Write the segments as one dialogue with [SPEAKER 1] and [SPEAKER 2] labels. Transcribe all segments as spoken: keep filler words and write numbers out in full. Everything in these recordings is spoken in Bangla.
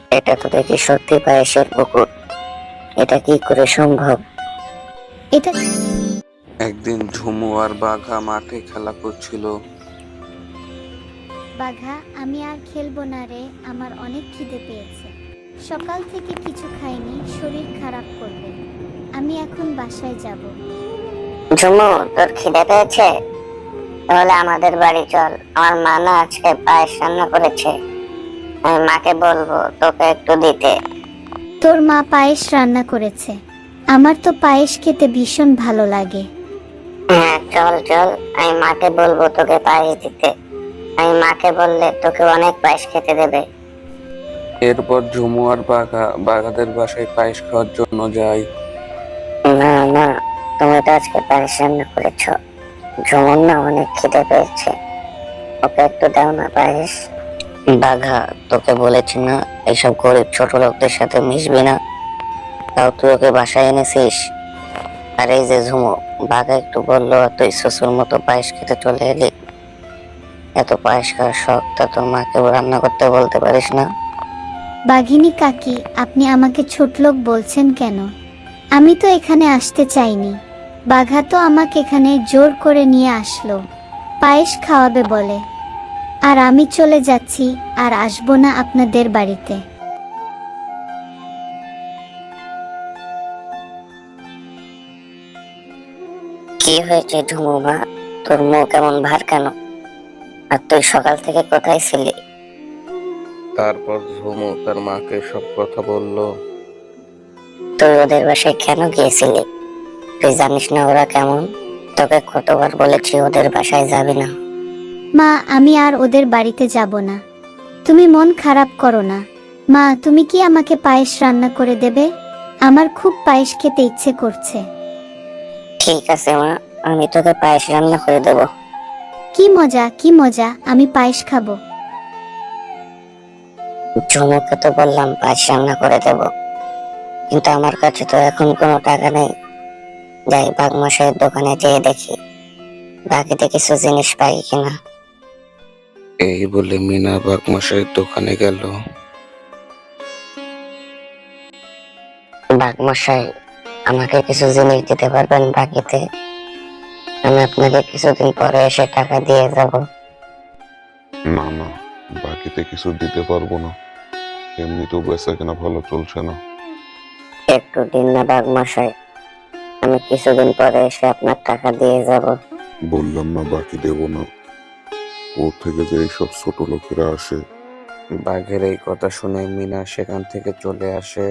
[SPEAKER 1] এটা তো দেখি সত্যি পায়েসের পুকুর। এটা কি করে সম্ভব?
[SPEAKER 2] এটা
[SPEAKER 3] একদিন ঝুমু আর বাঘা মাঠে খেলা করছিল।
[SPEAKER 2] বাঘা, আমি আর খেলবো না রে, আমার অনেক খিদে পেয়েছে। সকাল থেকে কিছু খাইনি, শরীর খারাপ করবে। আমি এখন বাসায় যাব।
[SPEAKER 1] ঝুমু, তোর খিদে পেয়েছে? তাহলে আমাদের বাড়ি চল। আমার মা না আজকে পায়েস রান্না করেছে। আমি মাকে বলবো তোকে একটু দিতে।
[SPEAKER 2] তোর মা পায়েস রান্না করেছে? আমার তো পায়েস খেতে ভীষণ ভালো লাগে।
[SPEAKER 1] হ্যাঁ, চল চল, আমি মাকে বলবো তোকে পায়েস দিতে। আমি মাকে বললে তোকে অনেক পায়েস খেতে দেবে।
[SPEAKER 3] এরপর ঝুমু আর বাঘা বাঘাদের বাসায় পায়েস খাওয়ার জন্য যায়।
[SPEAKER 1] না না, তুমি তো আজকে পায়েস রান্না করেছো। ঝুমুর না অনেক খিদে পেয়েছে, ওকে একটু দাও না পায়েস। বাঘা, তোকে বলেছি না এইসব গরিব ছোট লোকদের সাথে মিশবি না, তাও তুই ওকে বাসায় এনেছিস। আর এই যে ঝুমু, বাঘা একটু বললো আর তুই শ্বশুর মতো পায়েস খেতে চলে এলি। এত পায়েস খাওয়ার শখ, তা তোর মাকে রান্না করতে বলতে পারিস না?
[SPEAKER 2] বাঘিনী কাকি, আপনি আমাকে ছোট লোক বলছেন কেন? আমি তো এখানে আসতে চাইনি। বাঘা তো আমাকে এখানে জোর করে নিয়ে আসলো, পায়েস খাওয়াবে বলে। আর আমি চলে যাচ্ছি, আর আসবো না আপনাদের বাড়িতে।
[SPEAKER 1] কি হয়েছে ঝুমু মা, তোর মুখ কেমন ভার কেন? আর তুই সকাল থেকে কোথায় ছিলি?
[SPEAKER 3] তারপর ঝুমু তার মাকে সব কথা বলল।
[SPEAKER 1] তুই ওদের বাসায় কেন গিয়েছিলি? তুই জানিস না ওরা কেমন? তোকে কতবার বলেছি ওদের বাসায় যাবি না।
[SPEAKER 2] মা, আমি আর ওদের বাড়িতে যাব না। তুমি মন খারাপ করো না। মা, তুমি কি আমাকে পায়েস রান্না করে দেবে? আমার খুব পায়েস খেতে ইচ্ছে করছে।
[SPEAKER 1] ঠিক আছে মা, আমি তোকে পায়েস রান্না করে দেবো।
[SPEAKER 2] কি মজা, কি মজা, আমি পায়েস খাবো।
[SPEAKER 1] ঝুমুকে তো বললাম পায়েস রান্না করে দেবো, কিন্তু আমার কাছে তো এখন কোনো টাকা নেই। যাই বাঘমশাইয়ের দোকানে যেয়ে দেখি বাকিতে কিছু জিনিস পাই কিনা।
[SPEAKER 3] এই বলে মিনা বাঘমশাইয়ের দোকানে গেল।
[SPEAKER 1] বাঘমশাই, আমাকে কিছু জিনিস দিতে পারবেন বাকিতে? আমি আপনাকে কিছুদিন পরে এসে টাকা দিয়ে যাব।
[SPEAKER 4] না না, বাকিতে কিছু দিতে পারবো না, এমনিতেও বেচা কেনা ভালো চলছে না।
[SPEAKER 1] একটু দিন না বাঘমশাই, আমি কিছুদিন পরে এসে আপনার টাকা দিয়ে যাব।
[SPEAKER 4] বললাম না বাকি দেব না। ওর থেকে যে এইসব ছোট লোকেরা আসে।
[SPEAKER 3] বাঘের এই কথা শুনে মিনা সেখান থেকে চলে আসে।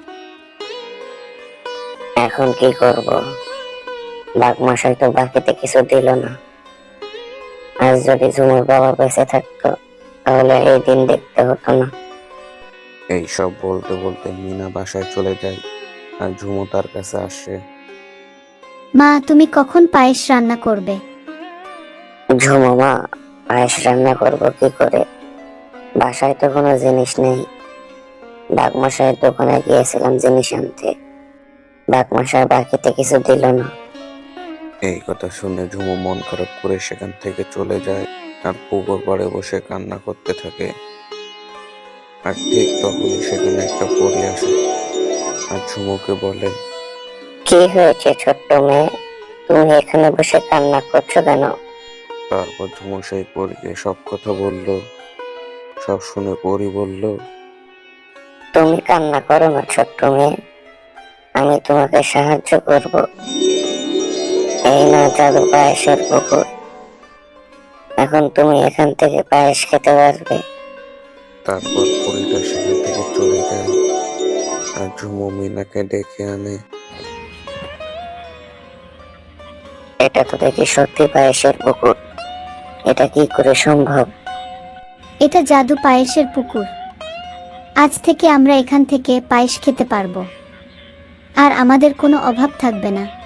[SPEAKER 1] এখন কি করব? বাঘমশাই তো বাকিতে কিছু দিল না। আজ যদি ঝুমুর বাবা বেঁচে থাকতো তাহলে এই দিন দেখতে হতো না।
[SPEAKER 3] এই সব বলতে বলতে মিনা বাসায় চলে যায় আর ঝুমু তার কাছে আসে।
[SPEAKER 2] মা, তুমি কখন পায়েস রান্না করবে?
[SPEAKER 1] ঝুমু মা, পায়েস রান্না করব কি করে? বাসায় তো কোনো জিনিস নেই। বাঘমশাইয়ের দোকানে গিয়েছিলাম জিনিস আনতে, বাঘমশাই বাকিতে কিছু দিল না।
[SPEAKER 3] এই কথা শুনে ঝুমু মন খারাপ করে সেখান থেকে চলে যায় আর পুকুর পাড়ে বসে কান্না করতে থাকে। আর ঠিক তখনই সেখানে একটা পরী আসে আর ঝুমুকে বলে,
[SPEAKER 1] কি হয়েছে ছোট্ট মেয়ে, তুমি এখানে বসে কান্না করছো কেন?
[SPEAKER 3] তারপর ঝুমু সেই পরীকে সব কথা বলল। সব শুনে পরী বলল,
[SPEAKER 1] তুমি কান্না করো না ছোট্ট মেয়ে, আমি তোমাকে সাহায্য করব। এই না জাদু পায়েসের পুকুর, এখন তুমি এখান থেকে পায়েস খেতে পারবে।
[SPEAKER 3] তারপর পরীটা সেখান থেকে চলে যায় আর ঝুমু মিনাকে ডেকে আনে।
[SPEAKER 1] এটা তো দেখি সত্যি পায়েসের পুকুর। এটা কি করে সম্ভব?
[SPEAKER 2] এটা জাদু পায়েসের পুকুর। আজ থেকে আমরা এখান থেকে পায়েস খেতে পারবো, আর আমাদের কোনো অভাব থাকবে না।